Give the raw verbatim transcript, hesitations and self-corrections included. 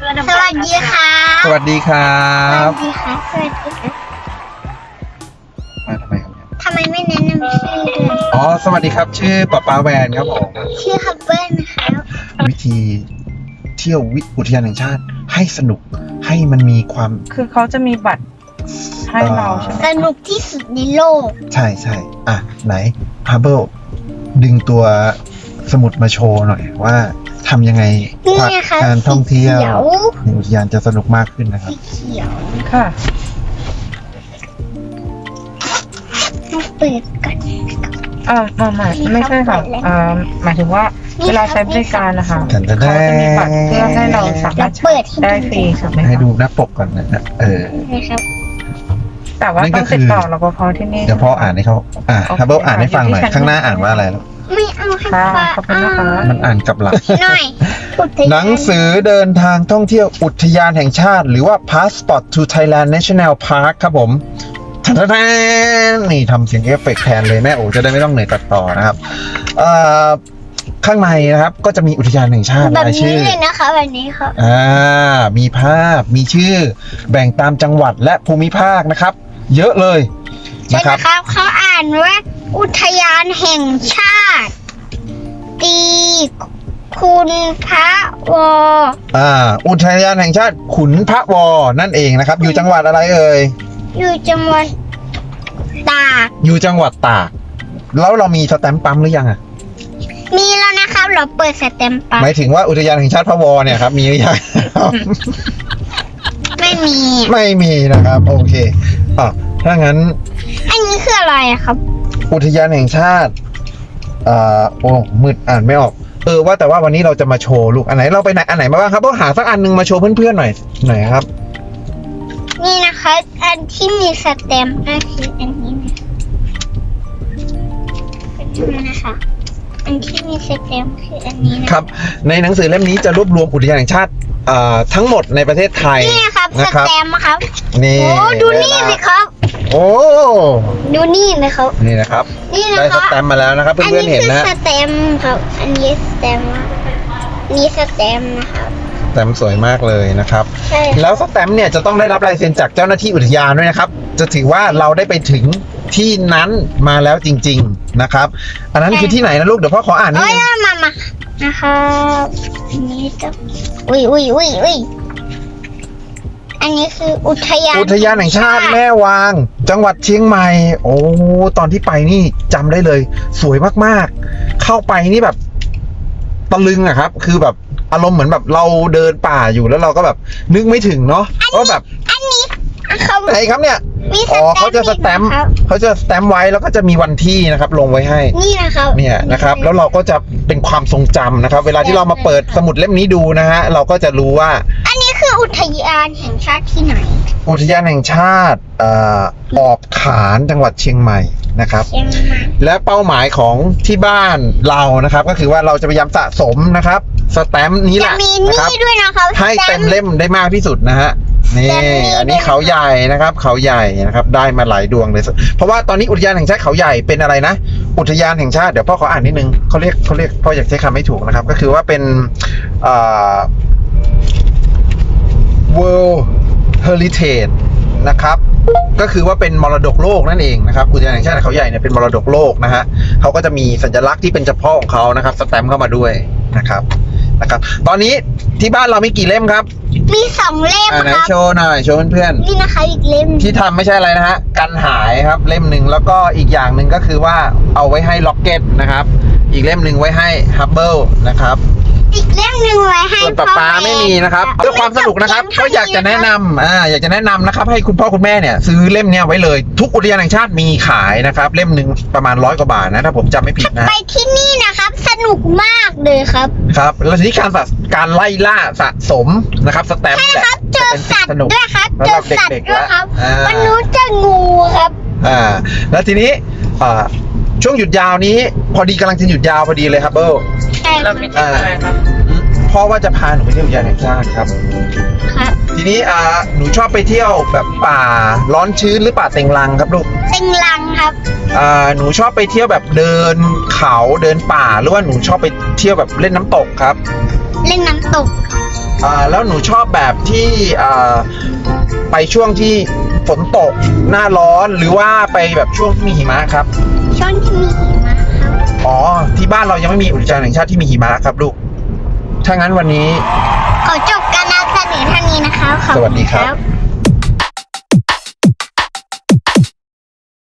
สวัสดีค่ะสวัสดีครัสบวัสดีค่ะสวัสดีค่ะมาทำไมครับเนี่ยทำไมไม่แนะนำชื่อด้วยอ๋อสวัสดีครับชื่อป๊าป๊าแวนครับผมชื่อฮับเบิลนะคะวิธีเที่ยววิอุทยานแห่งชาติให้สนุกให้มันมีความคือเขาจะมีบัตรให้เราใช่ไหมสนุกที่สุดในโลกใช่ใช่อ่ะไหนฮาร์เบิลดึงตัวสมุดมาโชว์หน่อยว่าทำยังไงนี่นะคะการท่องเที่ยวสีขีในอุทยานจะสนุกมากขึ้นนะครับสีเขียวค่ะต้องเปิดก่อนอ่าอ่าไม่ไม่ใช่ค่ะอ่าหมายถึงว่าเวลาใช้บริการนะคะแต่แต่เขาจะมีบัตรเพื่อให้เราสามารถใช้ได้ฟรีถูกไหมให้คะดูหน้าปกก่อนนะฮะเออนะครับแต่ว่านั่นก็ต้องคือติดต่อรปภที่นี่เดี๋ยวพ่ออ่านให้เขาอ่ะโอเคฮาร์เบิลอ่านให้ฟังหน่อยอยู่ที่ข้างหน้าชั้นอ่านว่าอะไรลูกไม่เอาให้ค่ะฟ้าขอบคุณนะคะมันอ่านกลับหลังหน่อยอุทยานหนังสือเดินทางท่องเที่ยวอุทยานแห่งชาติ หรือว่า Passport to Thailand National Park ครับผมทันทันนี่ทำเสียงเอฟเฟกต์แทนเลยแม่โอ๋จะได้ไม่ต้องเหนื่อยตัดต่อนะครับเอ่อข้างในนะครับก็จะมีอุทยานแห่งชาติแบบรายนี้ชื่อเลยนะคะแบบนี้ค่ะอ่ามีภาพมีชื่อแบ่งตามจังหวัดและภูมิภาคนะครับ เยอะเลยใช่นะครับนะครับเขาอ่านว่าอุทยานแห่งชาติ ตีคุณพระวออ่าอุทยานแห่งชาติขุนพระวอนั่นเองนะครับ อยู่จังหวัดอะไรเอ่ยอยู่จังหวัดตากอยู่จังหวัดตากแล้วเรามีสแตมป์ปั๊มหรือยังอะมีแล้วนะครับ เราเปิดสเต็มปัหมายถึงว่าอุทยานแห่งชาติพระวอเนี่ยครับมีหรือยังไม่มีไม่มีนะครับ โอเคอ่ะถ้างั้นอันนี้คืออะไรอะครับอุทยานแห่งชาติอ่าโอ้มืดอ่านไม่ออกเออว่าแต่ว่าวันนี้เราจะมาโชว์ลูกอันไหนเราไปไหนอันไหนมาบ้างครับต้องหาสักอันหนึงมาโชว์เพื่อนๆหน่อยหน่อยครับนี่นะคะ อันที่มีสเต็มป์ก็คืออันนี้นะนี่นะคะ อันที่มีสเต็มป์คืออันนี้นะครับในหนังสือเล่มนี้จะรวบรวมอุทยานแห่งชาติอ่าทั้งหมดในประเทศไทยนี่นะครับสนะครับเต็มป์ครับนี่โอ้ดูนี่สิครับโอ้ดูนี่นะครับนี่นะครับนี่นะได้คสรับแตมป์มาแล้วนะครับอันเพื่อนนี้ๆเห็นคือนะสเต็มป์ครับ อันนี้สเต็มป์นี่สเต็มป์นะครับสแตมป์สวยมากเลยนะครับใช่แล้วสแตมป์เนี่ยจะต้องได้รับลายเซ็นจากเจ้าหน้าที่อุทยานด้วยนะครับ จะถือว่าเราได้ไปถึงที่นั้นมาแล้วจริงๆนะครับ อันนั้นคือที่ไหนนะลูกเดี๋ยวพ่อขออ่านนิดโอ้ยนึงมามานะครับอันนี้จะอุ้ยอุ้ยอุ้ยอุ้ยอันนี้คืออุทยานอุทยานแห่งชาติแม่วาง จังหวัดเชียงใหม่ โอ้ตอนที่ไปนี่จำได้เลย สวยมากๆ เข้าไปนี่แบบตะลึงอะครับ คือแบบอารมณ์เหมือนแบบเราเดินป่าอยู่แล้วเราก็แบบนึกไม่ถึงเนาะว่าแบบอันนี้เขาไหนครับเนี่ยมีสอ๋อแตมป์เขาจะสแตมป์ครับเขาจะสแตมป์ไว้แล้วก็จะมีวันที่นะครับ ลงไว้ให้นี่นะครับเนี่ยนะครับ แล้วเราก็จะเป็นความทรงจำนะครับ เวลาที่เรามาเปิดสมุดเล่มนี้ดูนะฮะเราก็จะรู้ว่าอันนี้คืออุทยานแห่งชาติที่ไหนอุทยานแห่งชาติเอ่อออบขานจังหวัดเชียงใหม่นะครับเชียงใหม่และเป้าหมายของที่บ้านเรานะครับ ก็คือว่าเราจะพยายามสะสมนะครับสแตมป์นี้แหจะละมีนะนี่ครับด้วยนะครับให้เต็มเล่มได้มากที่สุดนะฮะนี่แต่มีอันนี้เขาใหญ่นะครับ เขาใหญ่นะครับ ได้มาหลายดวงเลย เพราะว่าตอนนี้อุทยานแห่งชาติเขาใหญ่เป็นอะไรนะ อุทยานแห่งชาติเดี๋ยวพ่อขออ่านนิดนึงเขาเรียกเขาเรียกพ่ออยากใช้คำไม่ถูกนะครับ ก็คือว่าเป็นเอ่อ World Heritage นะครับ ก็คือว่าเป็นมรดกโลกนั่นเองนะครับอุทยานแห่งชาติเขาใหญ่เนี่ยเป็นมรดกโลกนะฮะเขาก็จะมีสัญลักษณ์ที่เป็นเฉพาะของเขานะครับสแตมป์เข้ามาด้วยนะครับนะครับ ตอนนี้ที่บ้านเรามีกี่เล่มครับมีสองเล่มอ่าไหนครับโชว์หน่อยโชว์เพื่อนนี่นะคะอีกเล่มๆที่ทำไม่ใช่อะไรนะฮะกันหายครับเล่มหนึ่งแล้วก็อีกอย่างหนึ่งก็คือว่าเอาไว้ให้ล็อกเก็ตนะครับอีกเล่มหนึ่งไว้ให้ฮับเบิลนะครับอีกเล่มหนึ่งไว้ให้ส่วนป๊าป๊าพ่อแไม่มีนะครับเพื่อความสนุกนะครับก็อยากจะแนะนำอ่าอยากจะแนะนำนะครับให้คุณพ่อคุณแม่เนี่ยซื้อเล่มเนี้ยไว้เลยทุกอุทยานแห่งชาติมีขายนะครับเล่มหนึ่งประมาณร้อยกว่าบาทนะถ้าผมจำไม่ผิดนะไปที่นี่นะครับ สนุกมากเลยครับครับแล้วทีนี้การสะการไล่ล่าสะสมนะครับสแตมป์ใช่แหละครับ เจจะอเป็นสิ่สังตว์สนุกด้วยครับสำเจหรัอบ สัตว์เด็กๆด้วยครับอ่าวันนู้นเจองูครับอ่าแล้วทีนี้อ่าช่วงหยุดยาวนี้ พอดีกำลังจะหยุดยาวพอดีเลยครับเบิลใช่คเรารับมีที่อะไรครับพ่อว่าจะพาหนูไปเที่ยวอุทยานแห่งชาติครับครับทีนี้อ่าหนูชอบไปเที่ยวแบบป่าร้อนชื้นหรือป่าเต็งรังครับลูกเต็งลังครับอ่าหนูชอบไปเที่ยวแบบเดินเขาเดินป่าหรือว่าหนูชอบไปเที่ยวแบบเล่นน้ำตกครับเล่นน้ำตกออ่าแล้วหนูชอบแบบที่อ่าไปช่วงที่ฝนตกหน้าร้อนหรือว่าไปแบบช่วงที่มีหิมะครับช่วงที่มีหิมะครับอ๋อที่บ้านเรายังไม่มีอุทยานแห่งชาติที่มีหิมะครับลูกถ้างั้นวันนี้ขอจบการนำเสนอเท่านี้นะคะขอบสคุณวัสดีครับ